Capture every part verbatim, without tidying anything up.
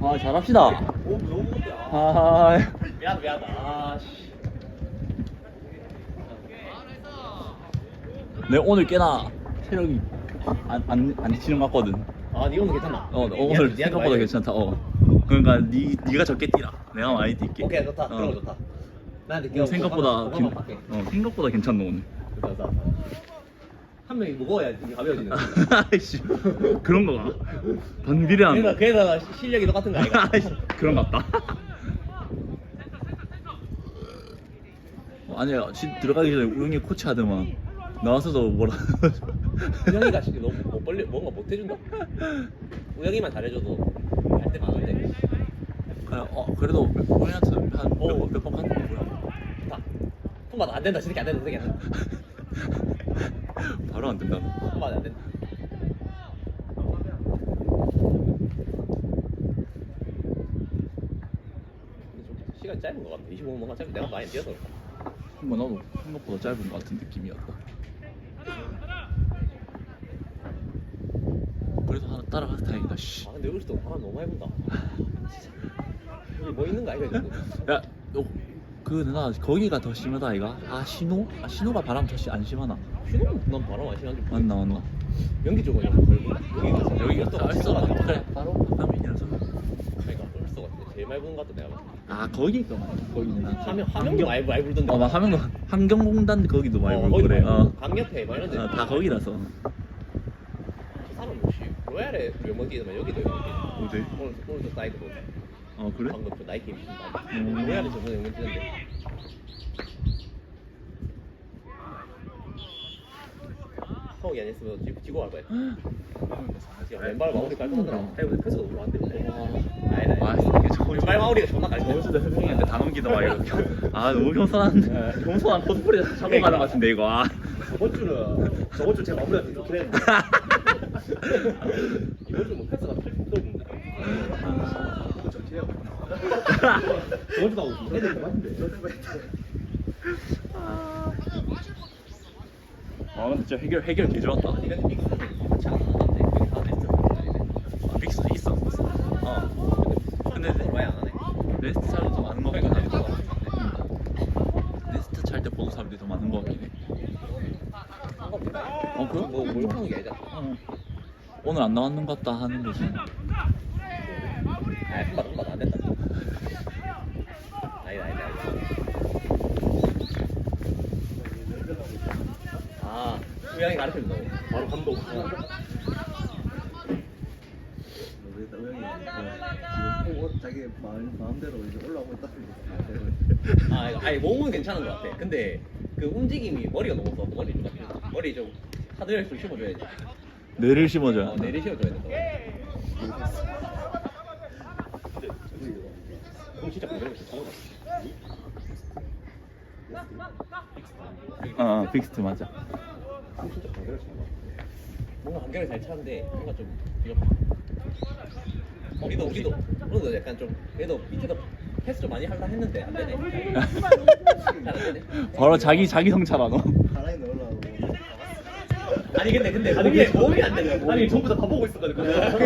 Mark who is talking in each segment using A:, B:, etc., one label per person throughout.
A: 아 잘합시다.
B: 오 너무 못해.
A: 아
B: 미안 미안. 아씨.
A: 내 오늘 꽤나 체력이 안안 안 지치는 것 같거든.
B: 아니 오늘 괜찮나?
A: 어
B: 니-
A: 오늘
B: 니한테
A: 생각보다
B: 많이
A: 괜찮다. 어 그러니까 니 니가 적게 뛰라. 내가 많이 뛸게.
B: 오케이 좋다.
A: 어.
B: 그런 거 좋다. 나한테
A: 오늘 생각보다
B: 괜...
A: 괜, 어 생각보다 괜찮네 오늘.
B: 좋다 좋다. 한 명이 무거워야 이게 가벼워지는.
A: 아이씨 그런 거가 반비례한
B: 그래서
A: 거.
B: 그래서 실력이 똑같은 거 아이가?
A: 아이씨 그런 것 같다. 어, 아니야 지, 들어가기 전에 우영이 코치 하더만 나와서도 뭐라.
B: 우영이가 지금 너무 못 벌리 뭔가 못 해준다. 우영이만 잘해줘도 할 때 많은데.
A: 그냥 어 그래도 우영이한테
B: 어.
A: 한몇번 갔는 거 뭐야.
B: 다. 통과도 안 된다. 저렇게 안 된다. 저렇게 안 된다.
A: 바로 안 된다.
B: 통과도 안 된다. 근데 좀 시간 짧은 것 같아. 이십오 분만 짧은 내가 많이 뛰어서 그렇다.
A: 한번 나도 생각보다 짧은 것 같은 느낌이었다. 그래도 하나 따라가서 다행이다. 씨.
B: 아 근데 여기서 바람 너무 많이 분다. 진짜. 여기 뭐 있는 거 아이가 지금?
A: 야, 너, 그 누나 거기가 더 심하다 아이가? 아 신호? 아 신호가 바람 더 안 심하나?
B: 휴는 난 바람 안 심한지 모르겠어.
A: 맞나 맞나?
B: 연기 쪽은 좀 걸고 여기가
A: 여기가
B: 또
A: 더 알싸가
B: 알싸가
A: 그래 바로 가면이라서.
B: 그러니까 얼쏘가 제일 많이 부는 것 같아 내가.
A: 아 거기가 많이 거기는 나.
B: 화면 화면도 많이 많이 불던데.
A: 어, 막 화면 환경공단 거기도 많이
B: 어,
A: 불고
B: 거기도
A: 그래.
B: 많이
A: 어.
B: 불고. 강력해 막 이런데.
A: 어, 다 거기라서.
B: 저 사람 혹시 로얄에 몇번 뛰더만 여기도 몇번 뛰.
A: 어디?
B: 오늘 오늘도 사이드 보.
A: 어 그래?
B: 방금 저 나이키 입신 바.
A: 음.
B: 로얄에 저번에 몇번 뛰는데. 성욱이 안 했으면 지고, 지고 갈 거야. 야, 왼발 마무리 깔끔하더라. 아니 근데 패스가 너무 안 되는데. 아니다.
A: 아,
B: 아니다.
A: 이게 저거
B: 왼발 마무리가 존나 깔끔해.
A: 저번주도 현명이한테 다 넘기다 와 이거. 아 너무 겸손한 겸손한 코스프레 차고 가는 것 같은데 이거. 아.
B: 저번 주는 저번 주 제 마무리가 좀 좋긴 했는데 이번 주는 뭐 패스가 팔십 넘는데 그거 전체야. 저번 주도 하고 애들이 맞는데.
A: 아 근데 진짜 해결 해결 개 좋았다.
B: 아니 근데 믹스는 그렇지 않은 것 같아. 여기 다 됐어.
A: 아, 믹스 있어. 어. 근데
B: 근데 많이 안 하네.
A: 레스트 차를 더 많은 거 같긴
B: 그러니까
A: 하네.
B: 믹스가
A: 레스트 찰 때 보는 사람들이 더 많은 거 같긴 해.
B: 어 그래? 뭐 몰빵한 게 아니잖아.
A: 어. 오늘 안 나왔는 것 같다 하는 거지.
B: 아 한발 한발 안 된다. 아니다 아니다 아니다. 아 우양이 가르쳐준다고. 바로 감독.
C: 모르겠다. 우영이 지금 꼭 자기 마음, 마음대로 이제 올라오고 있다.
B: 아, 이거- 아니 몸은 괜찮은 것 같아. 근데 그 움직임이 머리가 너무 없어. 머리 좀 같아. 머리 좀 하드웨어 좀 심어줘야지.
A: 뇌를 심어줘야
B: 어, 내리 심어줘야 된다. 그럼 진짜 그대로 진짜 잘한다.
A: 어, 어 빅스트 맞아.
B: 그럼 진짜 그대로 잘한다. 뭔가 한결을 잘 차는데 뭔가 좀 부족해. 우리도 우리도 우리도 약간 좀 그래도 밑에도 패스 좀 많이 하려 했는데 안 되네. 잘 안 되네.
A: 바로 자기 자기 성찰하 너.
C: 하나에 넣으려고.
B: 아니 근데 근데 몸이 몸이 안 되네. 아니 전부 다 다 보고 있었거든.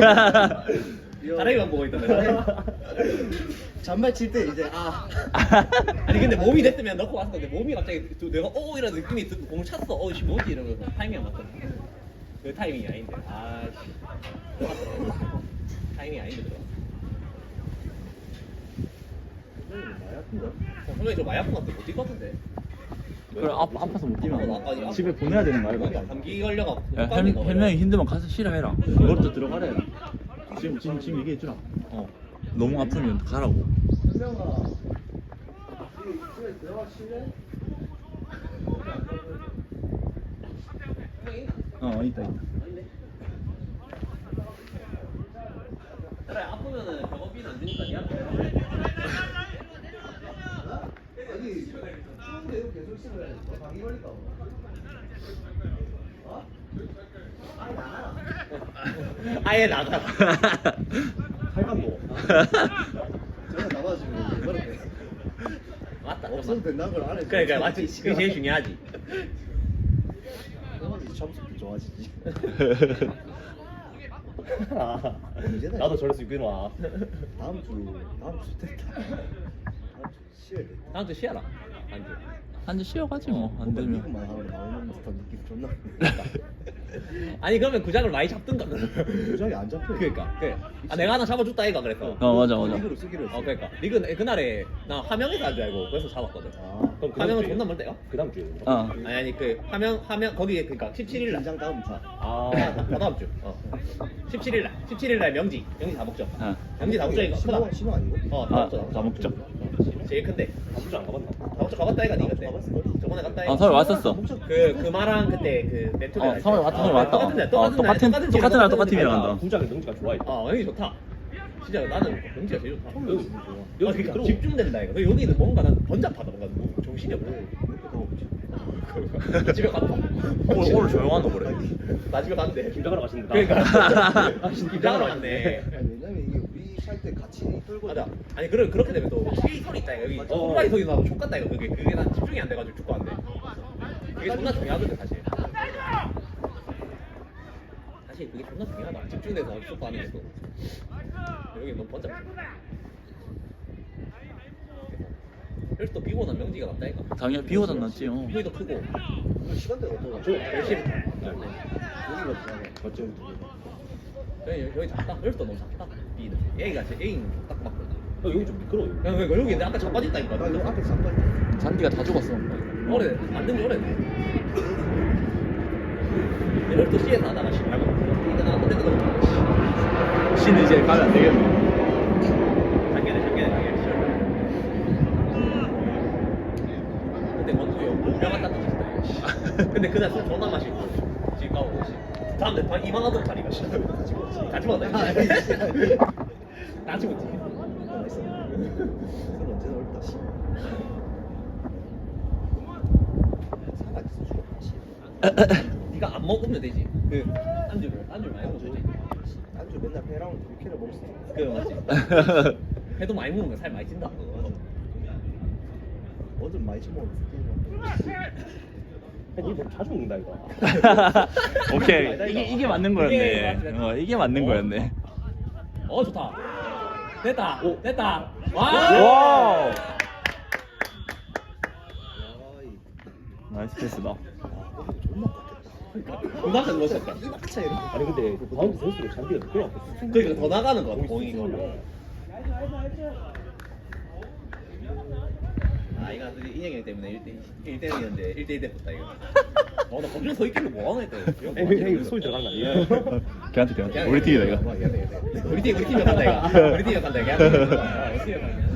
B: 다리만 보고 있던데.
C: 잔발 칠 때 이제 아
B: 아니 근데 몸이 됐으면 넣고 왔을 건데 몸이 갑자기 또 내가 어 이런 느낌이 들고 공을 찼어. 어씨 뭐지 이러면서 타이밍이 안 맞거든. 그 타이밍이 아닌데. 아씨. 들어갔더라고. 타이밍이 아닌데 들어.
C: 많이 아픈가?
B: 어, 선배님 저 많이 아픈 것 같아. 못 뛸 것 같은데.
A: 그래 아, 아파서 못 뛰면
B: 어, 아니,
A: 집에 보내야 되는 거 알바.
B: 감기 걸려가.
A: 야 헬- 헬명이 힘들면 가서 쉬라 해라. 그것도 들어가래. 지금 지금 지금 얘기해 주라. 어 너무 아프면 가라고.
C: 현명아 집에 들어가 쉴래?
A: 어 있다 있다.
B: 그래 아프면은 병원비는 안 주니까 니한테.
C: 아니 추운데 이거 계속 있으면 너 감기 걸릴까 봐. 어? 아니 나가라.
B: 아예 나가.
C: 팔감도. 저거 나와주면 그렇게
B: 맞다.
C: 없어도 된다는 걸 안 해.
B: 그러니까 맞지. 그게 제일 중요하지.
C: 형은 이제 점수 좋아지지.
D: 아,
C: 언제다,
D: 나도
C: 이거?
D: 저럴 수 있구나.
C: 다음 주 다음 주 됐다. 다음 주 쉬어야 돼.
B: 다음 주 쉬어라. 안 돼.
A: 한 주 쉬어가지 뭐 안 되면.
C: 미국만 하면 나오는 듯한 느낌 존나.
B: 아니 그러면 구장을 많이 잡든가.
C: 부장이 안 잡혀.
B: 그러니까. 그래. 아 내가 하나 잡아줬다 이가 그래서.
A: 어 맞아 맞아.
C: 리그로 쓰기로 했어.
B: 어 그러니까. 리그 그날에 나 화명에서 한 줄 알고 그래서 잡았거든.
C: 아,
D: 그럼 그
B: 화명은
D: 다음
B: 존나
D: 주에-
B: 멀대요?
D: 그 다음 주에.
A: 어.
B: 아니 아니 그 화명 화명 거기에 그러니까 십칠 일 날.
C: 긴장 다음 차.
D: 아,
B: 다 다음 주. 어. 십칠 일 날. 십칠 일 날 명지. 명지 다목적.
A: 어.
B: 명지 다목적이가 크다.
C: 신호 신호 아니고?
B: 어,
A: 아,
B: 다목적.
A: 다목적.
B: 제일 큰데.
D: 다음주 안 가봤나?
B: 다목적 가봤다 이가 니 그때.
C: 가봤어.
B: 저번에 갔다 이가.
A: 아 서울 왔었어.
B: 그 그마랑 그때 그 메토리
A: 어 서울 왔다 서울 왔다.
B: 똑같은 날
A: 어, 똑같은
B: 날,
A: 똑같은 날 똑같은
B: 팀이랑
A: 팀이랑
D: 아,
A: 간다.
D: 구장에 명지가 좋아해.
B: 어 여기 좋다. 진짜 나는 명지가 제일 좋다.
D: 여기
B: 아,
D: 여기
B: 그러니까
D: 들어.
B: 집중된다 이거. 근데 여기는 뭔가 난 번잡하다 뭔가 뭐 정신이 없네.
C: 이렇게 더 없지.
B: 집에 갔다.
A: 오늘 오늘 조용하노 그래.
B: 나 집에 갔는데.
D: 김장하러 가신다.
B: 그러니까.
D: 아, 진짜
B: 김장하러 갔네.
C: 아니, 왜냐면 이게 우리 살 때 같이 끌고.
B: 맞아. 아니 그래 그렇게 되면 또 K선이 있다 이거. 여기
C: 맞아.
B: 호라이 선이 나도 족같다 이거. 그게 그게 난 집중이 안 돼가지고 축구 안 돼. 그게 존나 중요하거든 사실. 사실 그게 존나 중요하다. 집중돼서 축구 하는 게 또. 여기 너무 번잡해. 여기서 또 비고 난 명지가 낫다 이거.
A: 당연히 비 오던 났지. 어.
B: 비도 크고
C: 시간대가 어떠나?
B: 열심히.
C: 여기가 지나가.
D: 맞죠?
B: 여기 여기 작다. 여기서 너무 작다. B는 A가 제 A는 딱 맞거든.
D: 어, 여기 좀 미끄러워.
B: 야, 왜 여기 근데 아까 자빠졌다니까.
C: 나 이거 앞에 잠깐.
A: 잔디가 다 죽었어.
B: 오래 만든 지 오래네. 이럴 또 C에서 하다가 씨 말고 이거 나 그때 그거
A: 신 이제 가면 안 되겠네.
B: 작게네 작게네 작게네 씨. 근데 원투 형 오명 갖다 던졌다 씨. 근데 그날 술 존나 마시고 집 가고 씨. 다음 날 반 이만 하던 자리가 씨. 같이 먹었다. 같이 먹지.
C: 맛있어. 술 언제나 어렵다 씨. 사과 있어 죽었다 씨.
B: 네가 안 먹으면 되지. 그 안주를 안주 많이 먹어도 되지.
C: 안주 맨날 회랑 육회를 먹을 수 있어.
B: 그 맞지. 회도 많이 먹으면 살 많이 찐다.
C: 뭐든 많이 처먹어.
D: 니 너무 자주 먹는다 이거.
A: 오케이 이게 이게 맞는
B: 이게
A: 거였네.
B: 맞네.
A: 어 이게 맞는
B: 어.
A: 거였네.
B: 어 좋다. 됐다.
D: 오.
B: 됐다. 와.
A: 와우.
C: 야이.
A: 나이스 패스다.
C: 존나 깎였다.
B: 누나가 넣었었다.
C: 이막 차이로.
D: 아니 근데 바운드 선수로 잔디가 미끄러워.
B: 그러니까 더 나가는 거 같아.
D: 공이
B: 공이.
D: 쑥
B: 아 이거 인형이 때문에 일 대 일이었는데 일 대 일 됐다 이거. 어나 거기서 서 있길래 뭐 하나 했다.
D: 어, 형님 소리 들어가는 거 아니에요?
A: 걔한테 걔한테 우리 팀이다 이거.
B: 우리 팀 우리 팀이 간다 이거. 우리 팀이 간다 이거. 우리 팀이 간다.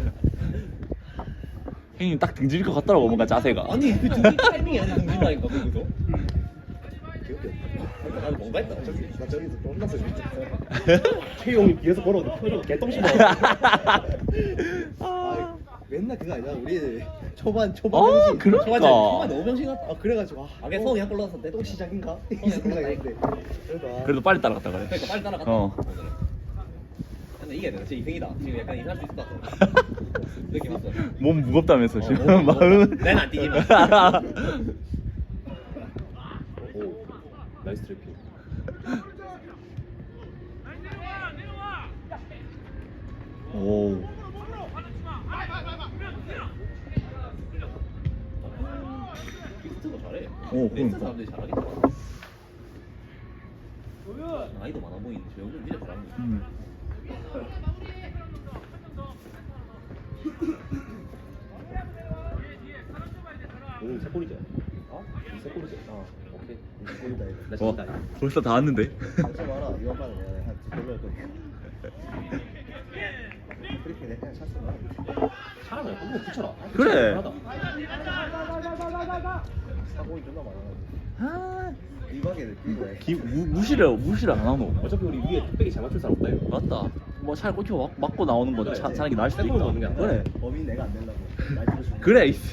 A: 형님 딱 등질 것 같더라고 뭔가 자세가.
B: 아니 그 등지 타이밍이 아니라 등진다니까 거기서.
C: 기억이 없다.
B: 나는 뭔가 했다.
C: 저기 나 저기서 존나 소리 듣어.
D: 최용이 뒤에서 걸어도 표정 개똥심어.
C: 아, 맨날 그거 아니야? 우리 초반 초반
A: 어,
C: 병신.
A: 그러니까.
B: 초반에 초반에 너무 병신 같다.
C: 아 그래가지고 아,
B: 아 그냥 성이 한 골 넣어서 내
C: 또
B: 동
C: 시작인가? 이
B: 어,
C: 생각했는데 그래도 아,
A: 그래도 빨리 따라갔다 그래.
B: 그러니까 빨리 따라갔다.
A: 어.
B: 오늘은. 근데 이게 내가 진짜 이승이다. 지금 약간 이상할 수 있을 것 같아. 느낌 왔어.
A: 몸 무겁다면서
B: 어,
A: 지금
B: 몸 무겁다.
A: 마음은.
B: 내는 안 뛰지만.
D: 오, 나이스 트래핑.
A: 오.
B: 빅스트가 잘해.
A: 오,
B: 넥스
A: 그러니까.
B: 사람들이 잘하겠다. 나이도 많아 보이는데 저 형들 진짜 잘하는 거.
A: 음.
D: 오늘 세 골이죠? 어? 세 골이죠? 어, 오케이.
C: 보인다 이거.
D: 나
A: 어,
D: 진다.
A: 벌써 다 왔는데.
C: 감사 마라. 이번 판은 내가 한두 골로 할 거야. 그렇게 내가 그냥 찼어.
D: 잘하네. 한번 붙여라.
A: 그래.
C: 사고이 존나 많아.
A: 아,
C: 이방에 끼고 해.
A: 기, 무, 무시를 무시를 안 하노.
D: 어차피 우리 위에 뚝배기 잘 맞출 사람 없다 이거.
A: 맞다. 뭐 차를 꽂히고 막, 맞고 나오는 거 차, 차는 게 나을 수도
D: 세컨으로 넣는 게
A: 있다.
D: 아니라.
A: 그래.
C: 범인 내가 안 되려고. 날 들어주고.
A: 그래. 이씨.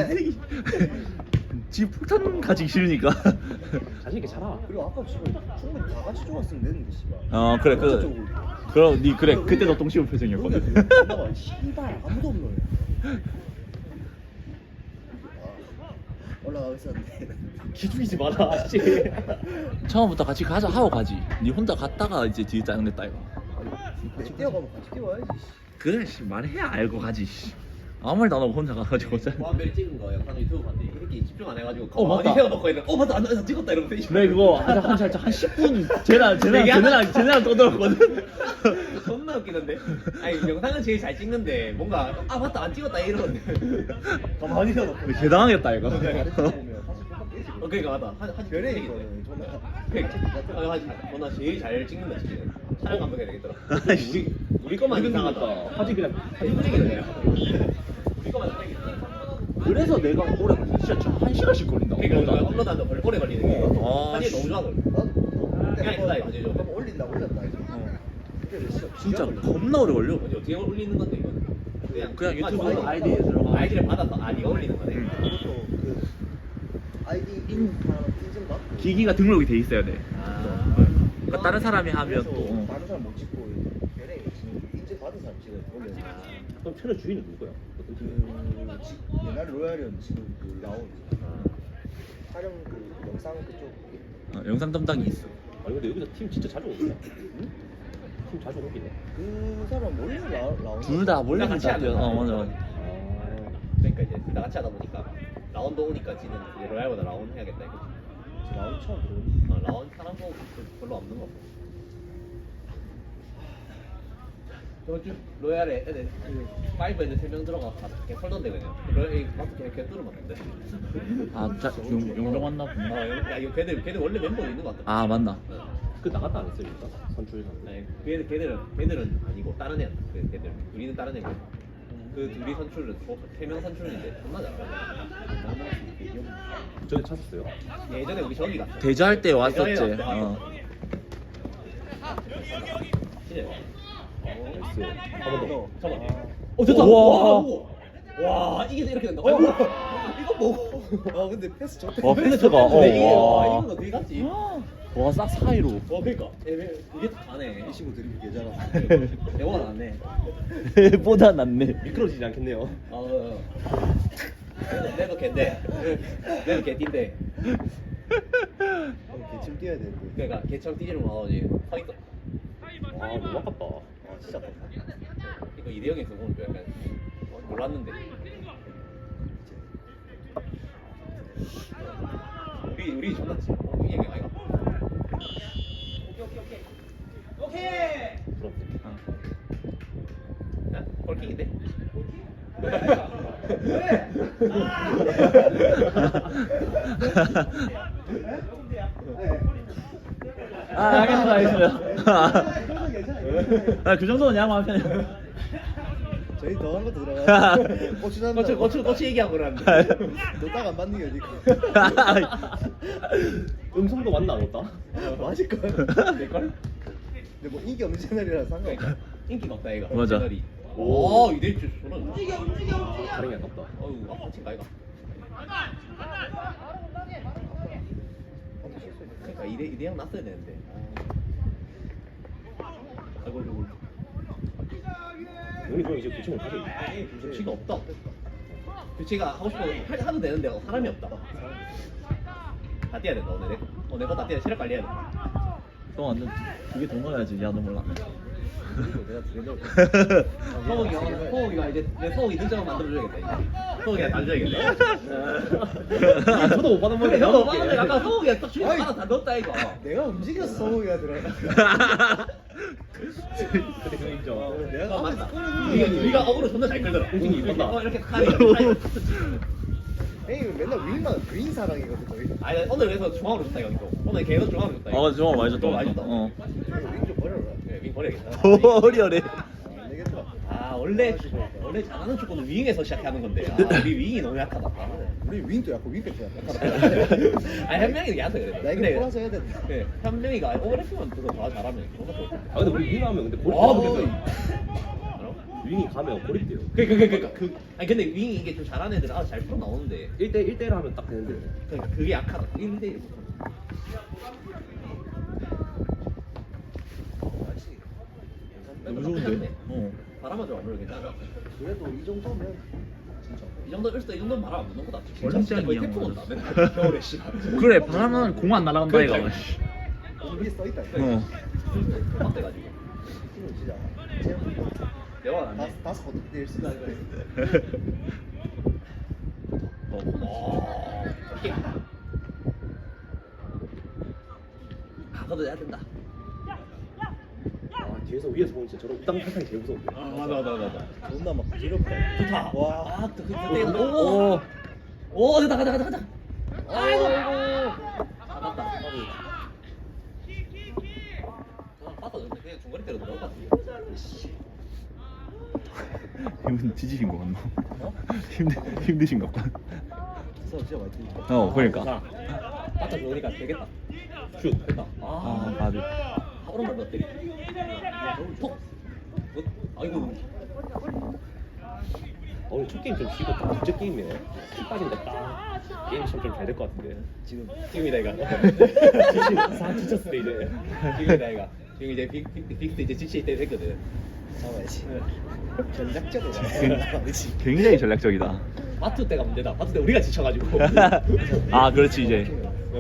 A: 지 폭탄 가지기 싫으니까.
D: 자신 있게 잘하.
C: 그리고 아까 지금 충분히 다 같이 좋았으면 되는데 씨발.
A: 어 그래 그 그럼 니 그래 그때도 똥 씹은 표정이었거든.
C: 씨발 아무도 없노. 아, 올라가고 있었는데
D: 기죽이지 마라. 씨.
A: 처음부터 같이 가자 하고 가지. 니 혼자 갔다가 이제 뒤에 짜증냈다 이거.
C: 같이 뛰어가면 같이 뛰어야지.
A: 그래 씨 말해야 알고 가지. 씨. 아무 말도 안 하고 혼자 가가지고 짜.
B: 보안별이 찍은 거 영상 유튜브 봤는데 이 새끼 집중 안 해가지고
A: 어, 맞다.
B: 가만히 헤어놓고 있는 어 맞다 안, 안 찍었다 이러면서
A: 그래 그거 한 한 살짝 한 십 분 쟤랑 쟤랑 쟤네랑 쟤네랑 떠들었거든.
B: 존나 웃기는데 아니 영상은 제일 잘 찍는데 뭔가 아 맞다 안 찍었다 이러는데
C: 가만히 서놓고
A: 개당하겠다 이거.
C: 보면 사실 똑같겠지.
B: 어 그러니까 맞다 한, 한
C: 별의
B: 얘기네.
C: 이거는 존나
B: 그러니까 아, 한- 어, 나 제일 잘 찍는다 지금 촬영 감독 해야 되겠더라
A: 아이씨.
B: 우리 거만 이상하다
D: 하지 그냥
B: 사진 찍이네 우리 거만 찍이네
A: 그래서 내가 오래 걸려. 진짜 저 한 시간씩 걸린다고.
B: 그러니까 그거 업로드하는데 걸- 오래 걸리는 게
A: 아,
B: 사진이 너무 좋아서 그래.
C: 나도
B: 그냥 있다, 이거 되죠.
C: 한번 올린다 올렸다 이제. 그게 몇 시간?
A: 진짜
C: 기가 걸려.
A: 겁나 오래 걸려.
B: 어디 어떻게 올리는 건데 이거 그냥
A: 그냥 유튜브
B: 아,
A: 아이디에 들어가.
B: 아이디를 받아서 아 네가 올리는 거네
A: 응.
C: 그것도 그 아이디 인 인증 받고.
A: 기기가 등록이 돼 있어야 돼.
B: 아
A: 그러니까 다른 사람이 하면
C: 그래서
A: 또 어.
C: 다른 사람 못 찍고 별의 인증 받은 사람 찍어 올려.
D: 그럼 채널 주인은 누구야? 어떤 팀?
C: 그 지- 옛날에 로얄이었는데 지금 그 라온 촬영 그 영상 그쪽
A: 어, 영상 담당이 있어.
D: 아니 근데 여기서 팀 진짜 자주 오겠다. 응? 팀 자주 오기네.
C: 그 사람 원래 라, 라온
A: 둘 다 몰래
B: 같이
A: 같이
B: 하는
A: 하죠. 어
B: 거야.
A: 맞아.
D: 아.
B: 그러니까 이제 둘 다 같이 하다 보니까 라운드 오니까 지는 이제 로얄보다 라운 해야겠다 이거
C: 라온 처음 들어오니
B: 어, 라운 사람 뭐 별로 없는 거 같고 저번 주 로얄에 애들 그 파이브 애들 세 명 들어가서 다 그냥 털던데 그냥 로얄 마트 그냥 걔 뚫어맞는데
A: 아, 자, 용, 용병 왔나
B: 아
A: 보네.
B: 야 이거 걔들 걔들 원래 멤버 있는 거 같다
A: 아, 맞나?
B: 어.
D: 그 나갔다 안 했어요, 일단 선출에서.
B: 아니 걔들 걔들은 걔들은 아니고 다른 애야 그 걔들 우리는 다른 애고 그 둘이 선출은 세명 선출인데 존나 잘해
D: 전에 찾았어요.
B: 예전에 우리 저기 갔어
A: 대자할 때 왔었지.
B: 대자에 왔대.
A: 어.
B: 진짜
D: 나이스. 한번 더.
B: 잠깐만 어 됐다
A: 우와.
B: 와, 와 이게 이렇게 된다 어, 이거 뭐
C: 아 근데 패스 좋대
A: 와, 패스가. 어,
B: 근데 이게 와
A: 와.
B: 이건 어떻게 갔지 와
A: 와, 싹 사이로.
B: 그러니까 애매- 이게 다 가네
C: 이 친구 드립이 개잖아
B: 영화가 낫네
A: 보다 낫네.
D: 미끄러지지 않겠네요.
B: 어, 어. 어. 내도 걔인데 내도 걔인데
C: 개침 뛰어야 되는데
B: 그러니까 걔처럼 뛰지를 못하지 서 있어
D: 아 너무 아깝다.
C: 아 진짜 아깝다
B: 이거 이대형에서 보면 좀 약간 어, 몰랐는데 우리 우리 존났지 어, 이 얘기 아이가
D: 부럽네.
B: 야, 헐킹인데?
A: 아, 알겠습니다, 알겠습니다. 아, 그 정도는 양호한 편이야.
C: 저희 더 한 것도 들어가 고추 잡는다
B: 거치 거치 거치 얘기하고 그러는데
C: 너딱안 맞는 게 어디
D: 음성도 맞나 안 왔다?
C: 맞을걸
B: 될걸?
C: 근데 뭐 인기 없는 채널이라 상관없어
B: 그러니까 인기가 없다 얘가
A: 맞아.
B: 채널이.
D: 오.
B: 오 이대 주 소는 움직여 움직여
D: 다른 게 아깝다.
B: 어우 아파친가 이가 그러니까 이대 이대형 났어야 되는데 아이고 아이고
D: 우리 그럼 이제 교체를 하죠.
B: 규칙이 없다 규칙가 하고 싶은 거 할- 하도 되는데 사람이 없다 다 뛰어야 된다 오늘 내 어, 내거 다 뛰어야 체력 관리해야 돼
A: 형 완전 두개 더 넣어야지. 야, 너 몰라.
C: 내가 두개 넣을
B: 소고기가 소고기가 이제 내 소고기 등장을 만들어줘야겠다 이제 소고기가 달줘야겠다
D: 저도 못 받은
B: 근데
D: 건데
B: 형도 봤는데 약간 소고기가 딱 주인
C: 아이.
B: 하나 다 넣었다 이거
C: 내가 움직여서 소고기가 들어가
D: 그때 그 인정.
C: 어, 내가
B: 어, 맞다.
C: 꺼내주는
B: 우리가,
C: 거야.
B: 우리가 어그로 존나 잘 끌더라.
D: 움직임이
B: 이렇게,
D: 이뻤다.
B: 어, 이렇게 칼이. 칼이.
C: 형이 맨날 윙만 윙 사랑이거든 거의
B: 아니, 오늘 그래서 중앙으로 줬다, 이거. 또. 오늘 계속 중앙으로 줬다. 이거.
A: 어, 정말 많이 줬다.
B: 또 많이 줬다.
A: 어.
C: 윙좀 버려라
B: 네, 윙 버려야겠다.
A: 버려래.
C: 안 되겠다
B: 아, 원래, 원래 잘하는 축구는 윙에서 시작하는 건데. 아, 우리 윙이 너무 약하다.
C: 우리 윙도 약고 윙백도 약하다
B: 아니, 한 명이 약해서 그래.
C: 나 이거
B: 근데,
C: 골라서 해야 된다
B: 네, 한 명이가 오버래핑만 그거 더 잘하면 존나 좋을 텐데.
D: 아 근데 우리 윙 하면 근데 고립.
B: 아,
D: 돼.
B: 그래서.
D: 윙이 가면 고립돼요.
B: 그, 그, 그, 그, 그, 아니, 근데 윙이 이게 좀 잘하는 애들, 아, 잘 풀어 나오는데.
D: 일 대 일 대를 하면 딱 되는데.
B: 그러니까 그게 약하다. 일 대 일 못하는
A: 너무 좋은데? 어.
B: 바람만 좀 안 불면 괜찮아.
C: 그래도 이 정도면
B: 이 정도 일수도 이 정도는 바람 안 부는 거다.
A: 원래
B: 진짜 거의
A: 짱이야.
B: 태풍 온다. 맨날 겨울에 씨.
A: 그래 바람은 공 안 날아간다 이거.
B: 그러니까.
C: 오늘 위에 써있다.
A: 어.
B: 막 돼가지고.
C: 지금 진짜 제가
B: 대화 안 해.
C: 다섯 다섯 번뛸 수가 있네.
B: 어. 이렇게. 가서도 해야 된다.
D: 아 뒤에서 위에서 보면 진짜 저런 우당 탈탕이 제일 무서운데.
B: 아 맞아 맞아 맞아.
C: 존나 막 기럽다.
B: 좋다.
C: 와.
B: 아, 그, 그, 그때, 오, 오, 오, 됐다, 가자, 가자, 가자. 아이고, 아, 맞다. 아, 맞다, 그냥 중거리 때려 들어갈 것 같아.
A: 힘 뒤지신 거 같나? 힘드 힘드신 것 같다.
C: 저 진짜 많이 뛰네.
A: 어 그러니까.
B: 자, 맞다, 좋으니까 되겠다.
D: 슛.
B: 됐다.
A: 아
B: 아,
A: 바비.
B: 오른발 몇 대리. 톡. 굿. 아이고.
D: 어, 오늘 첫 게임 좀 쉬고 딱 둘째 게임이네. 킥 빠진다 딱. 게임 참 좀 잘 될 것 같은데.
C: 지금
B: 지금이다 이거.
D: 사 지쳤을 때 이제.
B: 지금이다 이거. 지금 이제 빅, 빅, 빅스 이제 지칠 때 됐거든.
C: 잡아야지. 전략적으로
A: 굉-
C: 잡아야지.
A: 굉장히 전략적이다.
B: 마트 때가 문제다. 마트 때 우리가 지쳐가지고.
A: 아 그렇지 이제.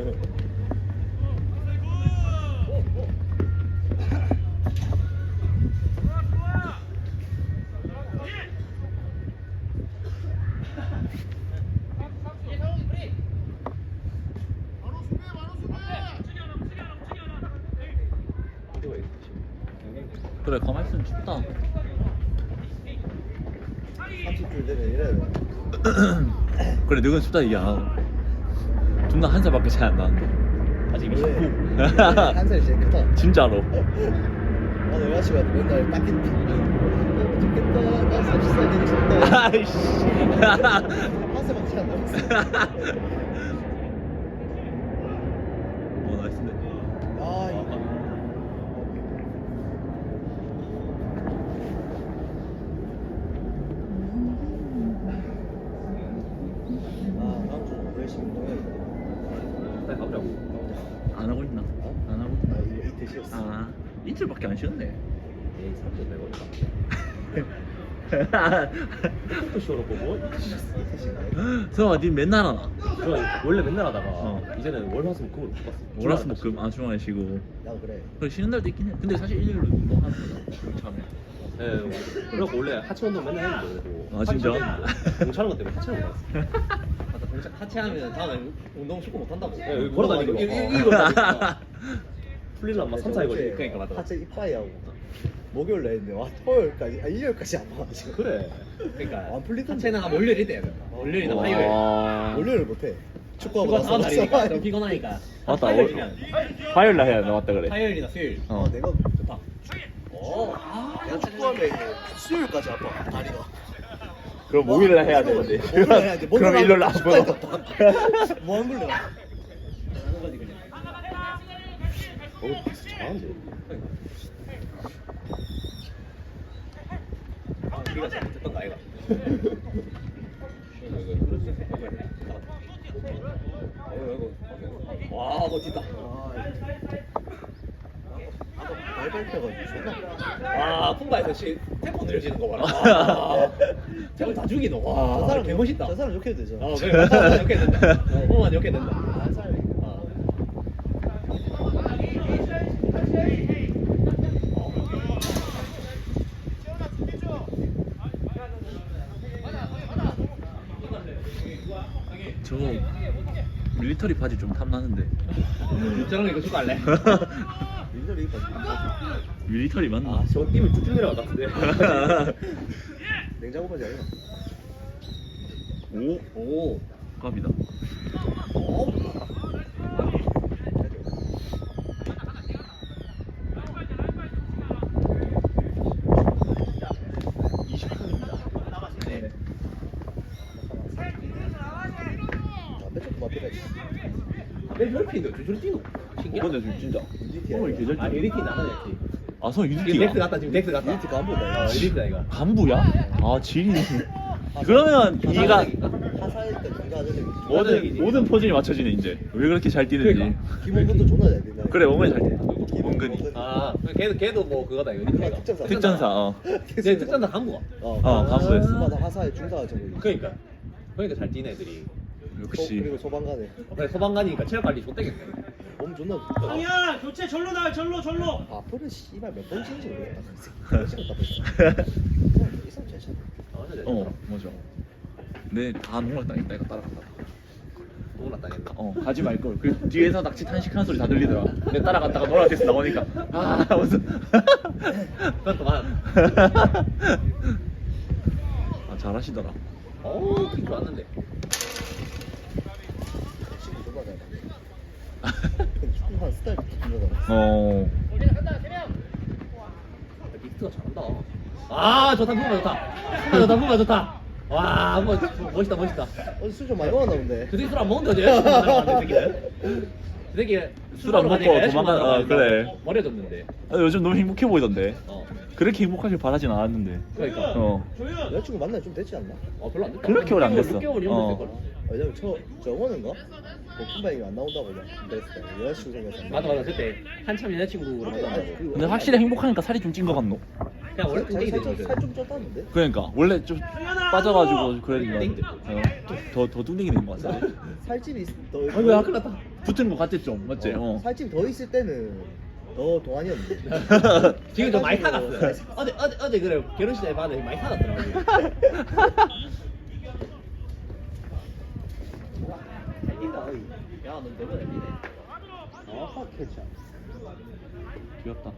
A: 그래 가만 있으면 춥다.
C: 삼십 줄 되면 이래야 돼.
A: 그래 늙은 춥다 얘기 안 하고. 존나 한 살밖에 차이 안 나는데.
D: 아직
C: 원래
D: 이십구.
C: 한 살이 제일 크다.
A: 진짜로.
C: 나 여자친구가 맨날 딱 했지. 어, 좋겠다. 나 삼십 살 되고 싶다.
A: 아이씨.
C: 한 살밖에 안 남았어.
A: 오 나이스인데.
C: 아, 이거. 아, 다음 주 열심히 운동해야겠다.
D: 빨리 가보자고.
A: 안 하고 있나? 안 하고
C: 아,
A: 있나?
C: 이거 이틀 쉬었어.
A: 아 이틀밖에 안 쉬었네.
D: 에이 삼 분 내거니까. 또 쉬어놓고 뭐?
C: 이틀 쉬었어.
A: 성아 니 맨날 하나?
D: 저 원래 맨날 하다가
A: 어.
D: 이제는 월화수목금으로 바꿨어.
A: 월화수목금 아 주말에 쉬고.
C: 나도 그래.
A: 그래 쉬는 날도 있긴 해. 근데 사실 일요일로 운동하는 거잖아. 참에.
D: 예, 그래갖고 원래 하체 운동 맨날 했는데 그래도
A: 아, 진짜?
D: 공차는 것 때문에 하체 운동 했어.
B: 맞다. 동작 하체 하면 다음에 운동 쉽고 못 한다고.
D: 예, 여기 걸어다니고
B: 이거
D: 막.
B: 이거 이거.
D: 풀리려면 막 삼, 사일 걸리.
B: 그러니까 맞아.
C: 하체 이빠이 하고 목요일 날 했는데 와 토요일까지 아 일요일까지 안 와. 지금.
D: 그래.
B: 그러니까
C: 안 풀리던데.
B: 하체는 한 월요일이 돼야 된다. 월요일이나
A: 와.
B: 화요일.
C: 월요일 못해. 축구하고
B: 그거
C: 나서
B: 다음 날이니까
C: 나서
B: 좀 피곤하니까.
A: 맞다.
B: 화요일이면
A: 화요일 날 해야 돼 맞다 그래.
B: 화요일이나 수요일.
A: 어.
C: 아, 내가
B: 좋다. 오. 아.
C: 내가 축구하면 이제 수요일까지 아파 다리가.
A: 그럼 목요일 날 해야 되는데.
C: 목요일 날 해야 돼.
A: 그럼 일요일 날
C: 축구할
A: 아프다.
C: 때 아파. 뭐한 걸래?
B: 하는 거지 그냥.
D: 어, 박스 잘하는데.
B: 우리가 잘못했던 거 아이가? 와, 멋지다.
C: 발 밟혀가지고 존나.
B: 와, 풍바에서 씨 템포 느려지는 거 봐라. 와, 템포 다 죽이노.
C: 저
B: 와,
C: 사람
B: 개 멋있다.
C: 저 사람 욕해도 되죠.
B: 어, 그래. 맞다. 이렇게 된다. 어, 이렇게 된다.
C: 한 사람이.
B: 어.
A: 저 밀리터리 바지 좀 탐나는데.
B: 저런 거 이거 추가할래?
C: 민들이 이뻐.
A: 밀리터리 맞나?
D: 아, 저 뛰면 쭉쭉 내려갈 것 같은데.
C: 냉장고 바지 아니야?
A: 오
B: 오.
A: 갑이다.
B: 오.
A: 네.
C: 담배 조금 앞에까지.
B: 왜 저렇게 뛰노? 저렇게 뛰노? 신기하다.
A: 근데 지금 진짜.
C: 유니티야.
A: 오늘 계절
B: 아, 에디티 나가야지.
A: 아, 성
B: 지금
A: 유니티가.
B: 넥스 갔다, 지금 넥스 갔다.
C: 유니티 간부다.
B: 어, 에디티다, 이거.
A: 간부야? 아, 지리. 그러면 이가
C: 하사일 때 네가 하던 데
A: 모든
B: 얘기지.
A: 모든 포진이 맞춰지네 이제. 왜 그렇게 잘 뛰는지.
B: 그러니까.
C: 기본부터 존나 잘 된다.
A: 그래 원근이 잘 뛰네.
C: 기본,
A: 원근이.
C: 원근이.
B: 아 걔도 걔도 뭐 그거다 이거
C: 아, 특전사.
A: 특전사. 어.
B: 제 특전사 간부가.
C: 어,
A: 어, 간부였어.
C: 마다 하사에 중사가 저거.
B: 그러니까 그러니까 잘 뛰는 애들이.
A: 역시.
C: 그리고 소방관에
B: 어, 그래 소방관이니까 체력 관리 좋대겠네.
C: 몸 존나 좋다.
E: 형이야 교체 절로 나와 절로 절로.
C: 앞으로 씨발 몇 번 치는지 모르겠다. 찍었다 벌써. 이 사람 잘 차.
B: 아, 근데
A: 어 맞아. 내다 농락당했다 이거 따라갔다.
B: 너무 당했나?
A: 어 가지 말 걸. 그 뒤에서 낚시 탄식하는 소리 다 들리더라. 내가 따라갔다가 노란색에서 나오니까 아 무슨.
B: 그건 그만.
A: 아 잘하시더라.
B: 어우 킥 좋았는데.
C: 친구 존나 잘. 축구한 스타일 존나 잘.
A: 어.
B: 빅트가 잘한다. 아 좋다 부마 좋다. 부마 좋다 부마 좋다. 와 뭐, 멋있다 멋있다.
C: 어제 술 좀 많이 먹었나 본데.
B: 그 새끼 술 안 먹는데 어제 여자친구 만나고 그 새끼는. 그 새끼
A: 술안 먹고 도망가- 아, 그래.
B: 버려졌는데.
A: 아, 요즘 너무 행복해 보이던데.
B: 어
A: 그렇게 행복하길 바라진 않았는데.
B: 그러니까.
A: 어.
C: 여자친구 만나기 좀 됐지 않나?
B: 어 별로 안 됐다.
A: 그렇게 오래 안 됐어.
B: 육 개월
A: 어.
B: 이런 거 됐걸.
C: 왜냐면 저 저거는가? 볶음밥이 안 나온다고 막 그랬어. 여자친구 생겼어.
B: 맞아 맞아 그때 한참 여자친구로 만난다고.
A: 근데 확실히 행복하니까 살이 좀 찐 것 같노?
B: 그냥 원래 뚱땡이 되거든.
C: 살좀 쪘다는데?
A: 그러니까 원래 좀 빠져가지고 그러니까 어, 더, 더 뚱땡이 된 것 같아.
C: 살집이 있- 더
A: 아이고야 큰일 났다. 붙은 것 같지 좀 맞지? 어.
C: 살집 더 있을 때는 더 동안이었는데.
B: 지금 좀 많이 타갔어. 어제 어제 어제 그래 결혼식장에 봤는데 많이 타갔더라고. 야너 너무 잘 뛰네.
C: 아 캐치.
A: 귀엽다.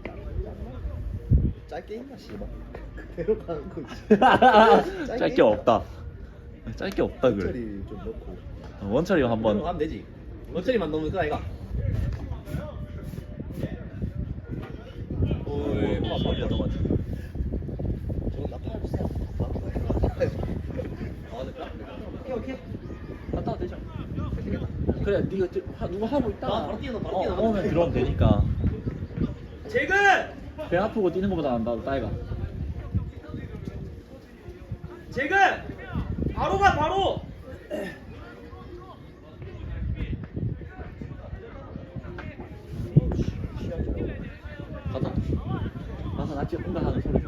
C: 짧게 있나 씨발. 그대로 가는 거지.
A: 짧게 없다. 짧게 없다 그래.
C: 처리 좀 넣고.
A: 어, 원철이
B: 한번
A: 한번.
B: 가면 되지. 원철이만 넣으면 그 아이가.
A: 오이 머리가 너무 많지.
C: 저건 나 팔아주세요.
B: 아 됐다.
C: 오케이 오케이.
A: 갔다 와도 되죠. 그래 네가 저- 하- 누가 하고 있다가
B: 아, 바로 뛰어넣어, 바로
A: 어,
B: 뛰어넣어.
A: 오면 들어오면 되니까.
E: 재근
A: 배 아프고 뛰는 것보다 난다 따이가.
E: 재근 바로 가 바로.
A: 가자. 가서 나 지금 온다 하는 소리.